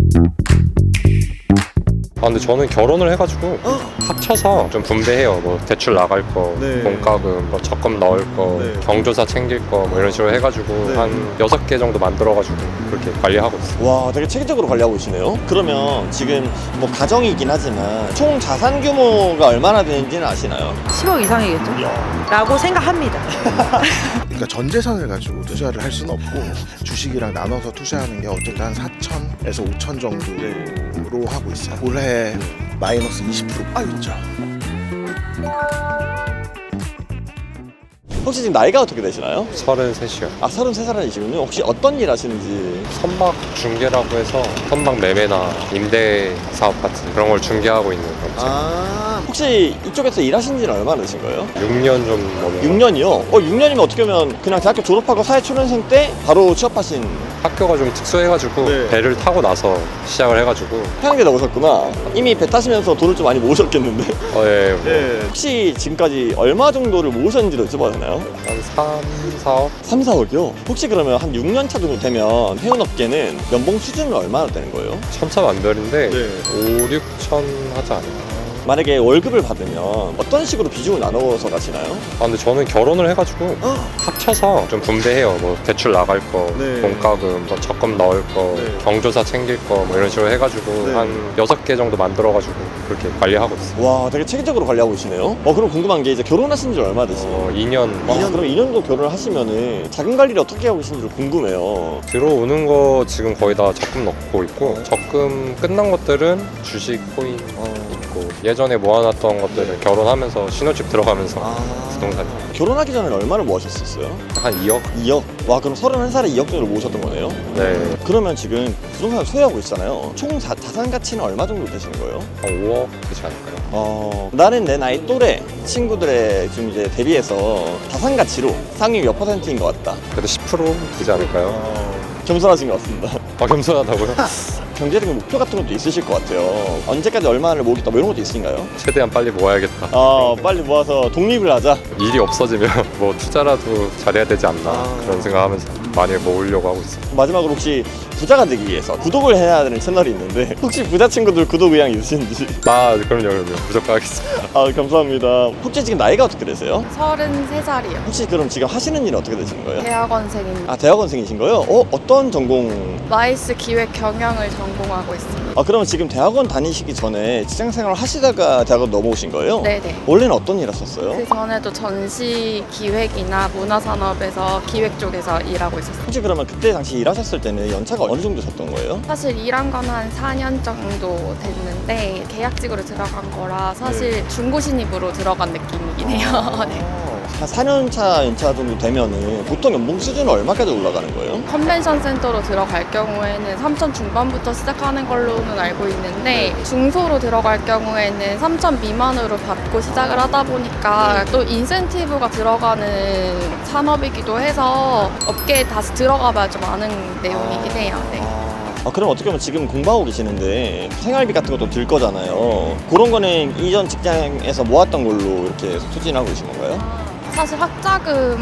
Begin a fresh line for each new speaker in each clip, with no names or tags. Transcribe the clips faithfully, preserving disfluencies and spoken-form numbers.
아 근데 저는 결혼을 해가지고
어?
합쳐서 좀 분배해요. 뭐 대출 나갈 거,
네.
돈가금, 뭐 적금 넣을 거,
네.
경조사 챙길 거 뭐 이런 식으로 해가지고
네.
한 여섯 개 정도 만들어가지고 그렇게 관리하고 있어요.
와, 되게 체계적으로 관리하고 계시네요. 그러면 지금 뭐 가정이긴 하지만 총 자산 규모가 얼마나 되는지는 아시나요?
십억 이상이겠죠? 라고 생각합니다.
그러니까 전 재산을 가지고 투자를 할 수는 없고 주식이랑 나눠서 투자하는 게 어쨌든 한 사천에서 오천 정도로 하고 있어요. 올해 마이너스 이십 퍼센트 있죠.
혹시 지금 나이가 어떻게 되시나요?
서른셋이요.
아, 서른세 살이시군요. 혹시 어떤 일 하시는지.
선박 중개라고 해서 선박 매매나 임대 사업 같은 그런 걸 중개하고 있는 업체.
아, 혹시 이쪽에서 일하신 지는 얼마나 되신 거예요?
육 년 좀 넘은
육 년이요? 어, 육 년이면 어떻게 보면 그냥 대학교 졸업하고 사회초년생 때 바로 취업하신
학교가 좀 특수해가지고
네.
배를 타고 나서 시작을 해가지고
편하게 나오셨구나. 이미 배 타시면서 돈을 좀 많이 모으셨겠는데?
어, 예, 뭐
혹시 지금까지 얼마 정도를 모으셨는지도 여쭤봐도 되나요?
한 삼, 사억?
삼, 사억이요? 혹시 그러면 한 육 년 차 정도 되면 해운업계는 연봉 수준은 얼마나 되는 거예요?
천차만별인데
네.
오, 육천 하지 않을까?
만약에 월급을 받으면 어떤 식으로 비중을 나눠서 가시나요?
아 근데 저는 결혼을 해가지고 합쳐서 좀 분배해요. 뭐 대출 나갈 거,
네.
돈가금, 뭐 적금 넣을 거,
네.
경조사 챙길 거 뭐 이런 식으로 해가지고
네.
한 여섯 개 정도 만들어가지고 그렇게 관리하고 있어요.
와, 되게 체계적으로 관리하고 계시네요. 어, 그럼 궁금한 게 이제 결혼하신 지 얼마 되시나요?
어, 이 년
와, 그럼 이 년도 결혼을 하시면은 자금 관리를 어떻게 하고 계신지 궁금해요.
들어오는 거 지금 거의 다 적금 넣고 있고 적금 끝난 것들은 주식, 코인 있고 예전에 모아놨던 것들은 결혼하면서 신혼집 들어가면서 부동산
결혼하기 전에 얼마를 모으셨었어요?
한 이억?
이억? 와, 그럼 서른한 살에 이억 정도 모으셨던 거네요?
네,
그러면 지금 부동산을 소유하고 있잖아요. 총 자, 자산 가치는 얼마 정도 되시는 거예요?
한 오억 되지 않을까요?
어, 나는 내 나이 또래 친구들의 좀 이제 대비해서 자산 가치로 상위 몇 퍼센트인 것 같다.
그래도 십 퍼센트 되지 않을까요?
어, 겸손하신 것 같습니다.
아 겸손하다고요?
경제적인 목표 같은 것도 있으실 것 같아요. 언제까지 얼마를 모으겠다 뭐 이런 것도 있으신가요?
최대한 빨리 모아야겠다.
아, 빨리 모아서 독립을 하자.
일이 없어지면 뭐 투자라도 잘해야 되지 않나
아.
그런 생각하면서 많이 모으려고 하고 있어요.
마지막으로 혹시 부자가 되기 위해서 구독을 해야 되는 채널이 있는데 혹시 부자 친구들 구독 의향 있으신지?
아 그럼요 그럼요 무조건 하겠습니다.
아, 감사합니다. 혹시 지금 나이가 어떻게 되세요?
서른세 살이요.
혹시 그럼 지금 하시는 일은 어떻게 되시는 거예요?
대학원생입니다.
아, 대학원생이신 거예요? 어, 어떤 전공?
마이스 기획 경영을 전공하고 있습니다.
아, 그러면 지금 대학원 다니시기 전에 직장 생활 하시다가 대학원 넘어오신 거예요?
네네.
원래는 어떤 일 하셨어요?
그 전에도 전시 기획이나 문화산업에서 기획 쪽에서 일하고 있었어요.
혹시 그러면 그때 당시 일하셨을 때는 연차가 어느 정도 셨던 거예요?
사실 일한 건 한 사 년 정도 됐는데 계약직으로 들어간 거라 사실 중고 신입으로 들어간 느낌이긴 해요. 네.
한 사 년 차 연차 정도 되면은 보통 연봉 수준은 얼마까지 올라가는 거예요?
컨벤션 센터로 들어갈 경우에는 삼천 중반부터 시작하는 걸로는 알고 있는데 중소로 들어갈 경우에는 삼천 미만으로 받고 시작을 하다 보니까 또 인센티브가 들어가는 산업이기도 해서 업계에 다시 들어가 봐야 좀 아는 내용이긴 해요. 네.
아, 그럼 어떻게 보면 지금 공부하고 계시는데 생활비 같은 것도 들 거잖아요. 그런 거는 이전 직장에서 모았던 걸로 이렇게 추진하고 계신 건가요?
사실 학자금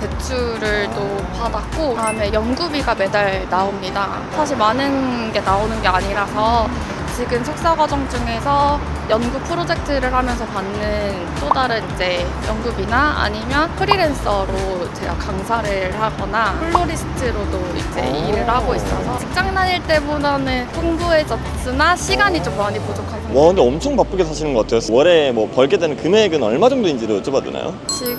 대출을 또 받았고 그다음에 연구비가 매달 나옵니다. 사실 많은 게 나오는 게 아니라서 지금 석사 과정 중에서 연구 프로젝트를 하면서 받는 또 다른 이제 연구비나 아니면 프리랜서로 제가 강사를 하거나 플로리스트로도 이제 일을 하고 있어서 직장 다닐 때보다는 풍부해졌으나 시간이 좀 많이 부족한 상태.
와, 근데 엄청 바쁘게 사시는 것 같아요. 월에 뭐 벌게 되는 금액은 얼마 정도인지를 여쭤봐도 되나요?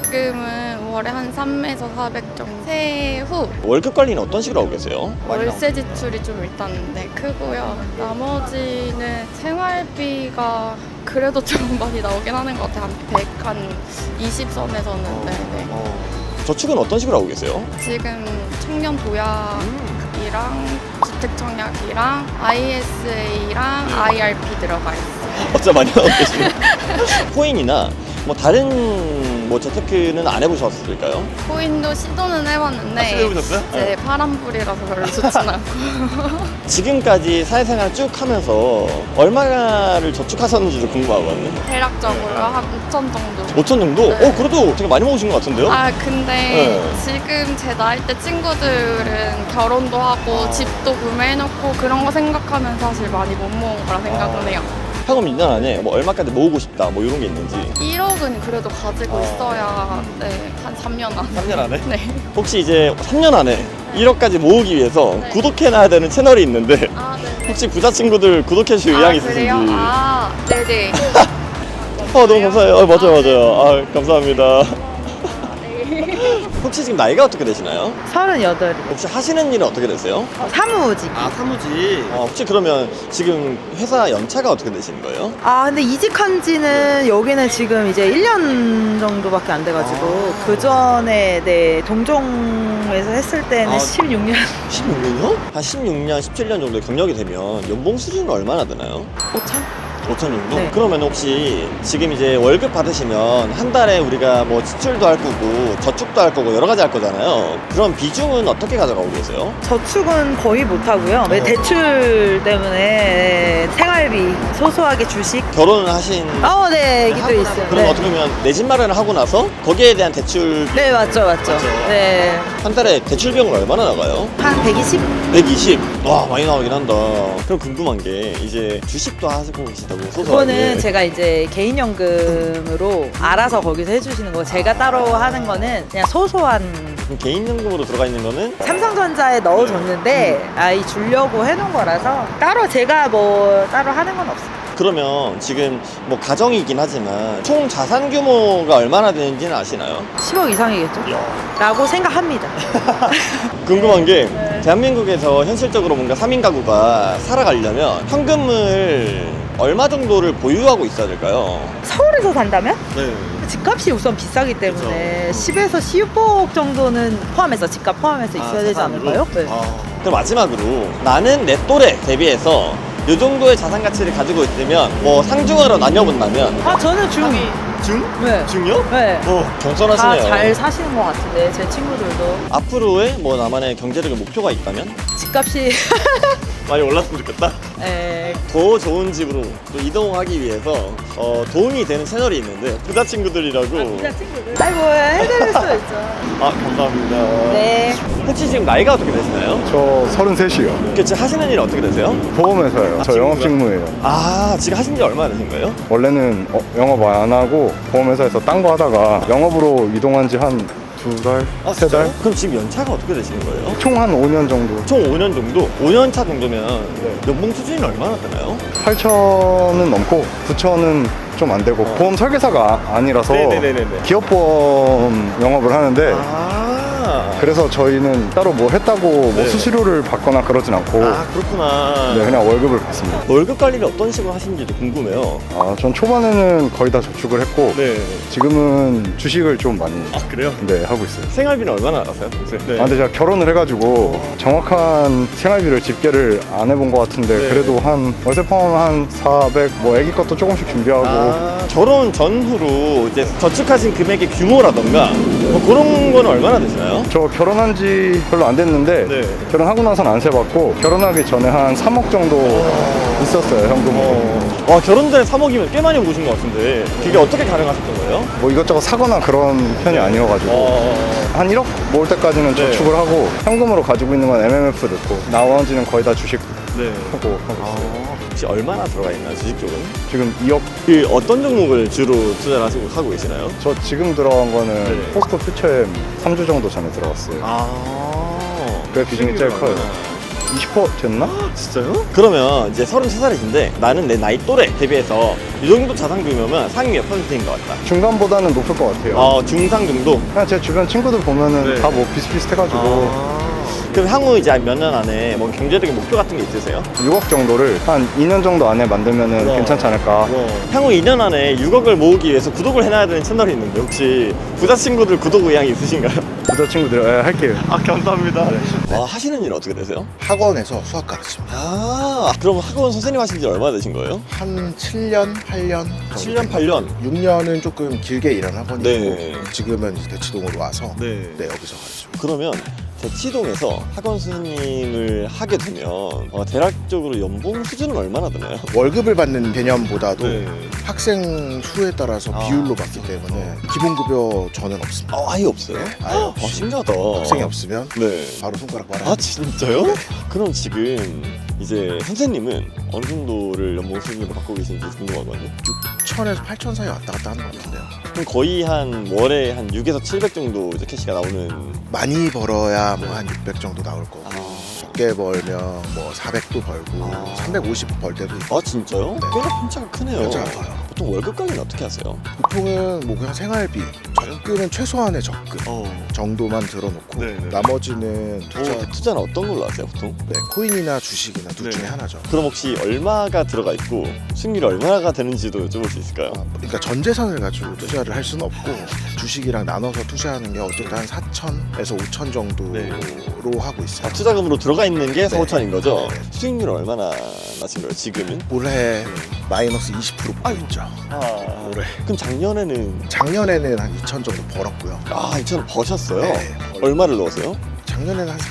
지금은 월에 한 삼에서 사백 정도. 새해 후
월급 관리는 어떤 식으로 하고 계세요?
월세 지출이 좀 일단 네, 크고요. 나머지는 생활비가 그래도 좀 많이 나오긴 하는 것 같아요. 한 백, 한 이십 선에서는. 네네.
저축은 어떤 식으로 하고 계세요?
지금 청년 도약이랑 주택 청약이랑 아이에스에이랑 아이알피 들어가 있어요.
진짜 많이 하고 계시네요. 코인이나 뭐 다른 뭐 재테크는 안 해보셨을까요?
코인도 시도는 해봤는데
아, 시도해보셨어요?
이제 파란불이라서 별로 좋진 않고
지금까지 사회생활 쭉 하면서 얼마를 저축하셨는지도 궁금하거든요.
대략적으로 한 오천 정도.
오천 정도?
네.
어, 그래도 되게 많이 먹으신 것 같은데요?
아 근데
네.
지금 제 나이 때 친구들은 결혼도 하고
아.
집도 구매해놓고 그런 거 생각하면 사실 많이 못 모은 거라 생각은 해요.
학업 일 년 안에 뭐 얼마까지 모으고 싶다 뭐 이런 게 있는지.
일억은 그래도 가지고
아.
있어야 네, 한 삼 년 안에.
삼 년 안에?
네.
혹시 이제 삼 년 안에 일억까지 모으기 위해서
네.
구독해놔야 되는 채널이 있는데
아 네.
혹시 부자 친구들 구독해주실 의향이 있으신지?
그래요? 아 네네.
어, 너무 감사해요. 어, 맞아요, 맞아요. 아, 감사합니다. 혹시 지금 나이가 어떻게 되시나요?
서른여덟.
혹시 하시는 일은 어떻게 되세요?
사무직.
아, 사무직. 어, 혹시 그러면 지금 회사 연차가 어떻게 되시는 거예요?
아 근데 이직한 지는 여기는 지금 이제 일 년 정도밖에 안 돼가지고
아.
그 전에 네 동종에서 했을 때는
아.
십육 년.
십육 년이요? 한 십육 년, 십칠 년 정도의 경력이 되면 연봉 수준은 얼마나 되나요?
오천?
오천 정도?
네.
그러면 혹시 지금 이제 월급 받으시면 한 달에 우리가 뭐 지출도 할 거고 저축도 할 거고 여러 가지 할 거잖아요. 그럼 비중은 어떻게 가져가고 계세요?
저축은 거의 못 하고요. 왜
어.
대출 때문에 생활비 소소하게 주식.
결혼을 하신
어, 네, 얘기도
하고
있어요.
그럼
네.
어떻게 보면 내 집 마련을 하고 나서 거기에 대한 대출
네, 맞죠, 맞죠.
맞죠.
네,
한 달에 대출 비용은 얼마나 나가요?
한 백이십?
백이십. 와, 많이 나가긴 한다. 그럼 궁금한 게 이제 주식도 하시고 계시다고 소소하게.
그거는 제가 이제 개인연금으로 알아서 거기서 해주시는 거고 제가 따로 하는 거는 그냥 소소한
그럼 개인연금으로 들어가 있는 거는
삼성전자에 넣어줬는데 아이 주려고 해놓은 거라서 따로 제가 뭐 따로 하는 건 없어요.
그러면 지금 뭐 가정이긴 하지만 총 자산 규모가 얼마나 되는지는 아시나요?
십억 이상이겠죠? 라고 생각합니다.
궁금한 게 대한민국에서 현실적으로 뭔가 삼 인 가구가 살아가려면 현금을 얼마 정도를 보유하고 있어야 될까요?
서울에서 산다면?
네.
집값이 우선 비싸기 때문에
그쵸.
십에서 십억 정도는 포함해서 집값 포함해서 있어야 되지 않을까요? 네.
아, 그럼 마지막으로 나는 내 또래 대비해서 이 정도의 자산 가치를 가지고 있으면 뭐 상중하로 나뉘어본다면
아 저는 중.
중?
네.
중요?
네.
어, 경선하시네요.
다 잘 사시는 것 같은데 제 친구들도
앞으로의 뭐 나만의 경제력의 목표가 있다면
집값이
많이 올랐으면 좋겠다.
에,
더 좋은 집으로 또 이동하기 위해서 어, 도움이 되는 채널이 있는데 부자 친구들이라고.
부자 친구들. 아이고 해드릴 수 있죠.
아, 감사합니다.
네.
혹시 지금 나이가 어떻게 되시나요?
저 서른셋이요.
그 지금 하시는 일 어떻게 되세요?
보험회사예요.
아,
저
직무가?
영업직무예요.
아, 지금 하신 지 얼마나 되신 거예요?
원래는 어, 영업 안 하고 보험회사에서 딴 거 하다가 영업으로 이동한 지 한 두 달? 세 달?
그럼 지금 연차가 어떻게 되시는 거예요?
총 한 오 년 정도.
총 오 년 정도? 오 년 차 정도면 연봉 수준이 얼마나 되나요?
팔천은 넘고 구천은 좀 안 되고
어.
보험 설계사가 아- 아니라서
네네네네네.
기업보험 영업을 하는데
아,
그래서 저희는 따로 뭐 했다고 뭐
네.
수수료를 받거나 그러진 않고
아, 그렇구나.
네, 그냥 월급을 받습니다.
월급 관리를 어떤 식으로 하시는지도 궁금해요.
아, 전 초반에는 거의 다 저축을 했고
네.
지금은 주식을 좀 많이
아, 그래요?
네, 하고 있어요.
생활비는 얼마나 나가세요? 평소에? 네.
아, 근데 제가 결혼을 해가지고 정확한 생활비를 집계를 안 해본 것 같은데
네.
그래도 한 월세 포함 한 사백, 뭐 애기 것도 조금씩 준비하고
아, 결혼 전후로 이제 저축하신 금액의 규모라던가 뭐 그런 거는 얼마나 되시나요?
저 결혼한 지 별로 안 됐는데
네.
결혼하고 나서는 안 세봤고 결혼하기 전에 한 삼억 정도 있었어요, 현금으로.
어. 와, 결혼 전에 삼억이면 꽤 많이 모신 것 같은데 그게 어떻게 가능하셨던 거예요?
뭐 이것저것 사거나 그런 편이 아니어가지고
어...
한 일억 모을 때까지는
네.
저축을 하고 현금으로 가지고 있는 건 엠엠에프 넣고 나머지는 거의 다 주식
네.
하고 하고 있어요.
혹시 얼마나 들어가 있나요, 주식 쪽은?
지금 이억.
그 어떤 종목을 주로 투자를 하시고 하고 계시나요?
저 지금 들어간 거는
네.
포스코 퓨처엠 삼 주 정도 전에 들어갔어요.
아,
그래, 비중이 제일 커요. 이십 퍼센트 됐나?
진짜요? 그러면 이제 서른세 살이신데 나는 내 나이 또래 대비해서 이 정도 자산 규모면 상위 몇 퍼센트인 것 같다.
중간보다는 높을 것 같아요.
어, 중상 정도?
그냥 제 주변 친구들 보면은
네.
다 뭐 비슷비슷해가지고
아, 그럼 향후 이제 몇 년 안에 뭐 경제적인 목표 같은 게 있으세요?
육억 정도를 한 이 년 정도 안에 만들면은
우와.
괜찮지 않을까.
향후 이 년 안에 육억을 모으기 위해서 구독을 해놔야 되는 채널이 있는데 혹시 부자 친구들 구독 의향이 있으신가요?
부자 친구들 예, 할게요.
아 감사합니다. 아, 하시는 일 어떻게 되세요?
학원에서 수학 가르칩니다.
아 그럼 학원 선생님 하신 지 얼마나 되신 거예요?
한 칠 년, 팔 년 정도
칠 년, 팔 년?
육 년은 조금 길게 일한 학원이고
네.
지금은 이제 대치동으로 와서
네.
네, 여기서 가르치고
그러면 대치동에서 학원 선생님을 하게 되면 어, 대략적으로 연봉 수준은 얼마나 되나요?
월급을 받는 개념보다도
네.
학생 수에 따라서
아,
비율로 받기 때문에 기본급여 저는 없습니다.
아, 아예 없어요?
네, 아예
아,
없이.
신기하다.
학생이 없으면
네.
바로 손가락 빨아야
아
됩니다.
진짜요? 그럼 지금 이제 선생님은 어느 정도를 연봉 수준으로 받고 계신지 궁금하거든요.
육천에서 팔천 사이 왔다 갔다 하는 것 같은데요.
그럼 거의 한 월에 한 육에서 칠백 정도 이제 캐시가 나오는.
많이 벌어야 뭐 한 육백 정도 나올 거고
아,
적게 벌면 뭐 사백도 벌고
아.
삼백오십 벌 때도 있고
아 진짜요?
네.
꽤나 편차가 크네요.
편차가 커요.
보통 월급 관리는 어떻게 하세요?
보통은 뭐 그냥 생활비 적금은 최소한의 적금
어.
정도만 들어놓고
네네.
나머지는
투자,
투자
투자는 어떤 걸로 하세요 보통?
네, 코인이나 주식이나 둘
네.
중에 하나죠.
그럼 혹시 얼마가 들어가 있고 수익률이 얼마가 되는지도 여쭤볼 수 있을까요?
아, 그러니까 전 재산을 가지고 투자를 할 수는 없고 주식이랑 나눠서 투자하는 게 어쨌든 한 사천에서 오천 정도로
네.
하고 있어요.
아, 투자금으로 들어가 있는 게 사,
네.
오천인 거죠?
네.
수익률은 얼마나 나신 거예요 지금은?
올해 마이너스 이십 퍼센트 보고 있죠.
아,
올해.
그럼 작년에는
작년에는 한 이천 정도 벌었고요.
아 이천 버셨어요?
네.
얼마를 넣었어요?
작년에는 한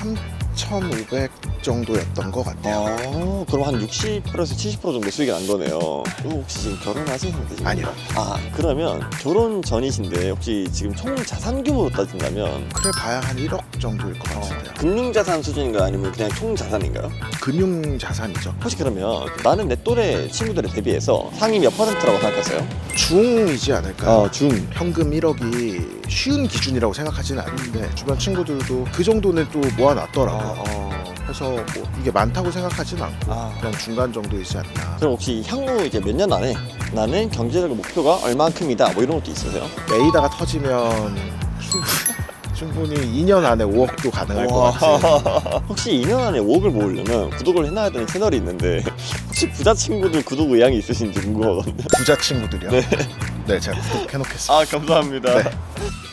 삼천오백 정도였던 것 같아요.
아 그럼 한 육십 퍼센트에서 칠십 퍼센트 정도 수익이 난 거네요. 그럼 혹시 지금 결혼하신 상태신가요?
아니요.
아 그러면 결혼 전이신데 혹시 지금 총 자산 규모로 따진다면
그래 봐야 한 일억 정도일 것 같은데요.
금융자산 수준인가요? 아니면 그냥 총 자산인가요?
금융 자산이죠.
혹시 그러면 나는 내 또래 친구들에 대비해서 상위 몇 퍼센트라고 생각하세요?
중이지 않을까요?
아, 중.
현금 일억이 쉬운 기준이라고 생각하지는 않는데 주변 친구들도 그 정도는 또 모아놨더라고요. 그래서 뭐 이게 많다고 생각하지는 않고
아.
그냥 중간 정도이지 않나.
그럼 혹시 향후 이제 몇 년 안에 나는 경제적 목표가 얼만큼이다 뭐 이런 것도 있으세요?
레이다가 터지면 충분히, 충분히 이 년 안에 오억도 가능할 것 같아요.
혹시 이 년 안에 오억을 모으려면 구독을 해놔야 되는 채널이 있는데 혹시 부자 친구들 구독 의향이 있으신지 궁금하거든요.
부자 친구들이요?
네.
네, 제가 구독해놓겠습니다.
아 감사합니다.
네.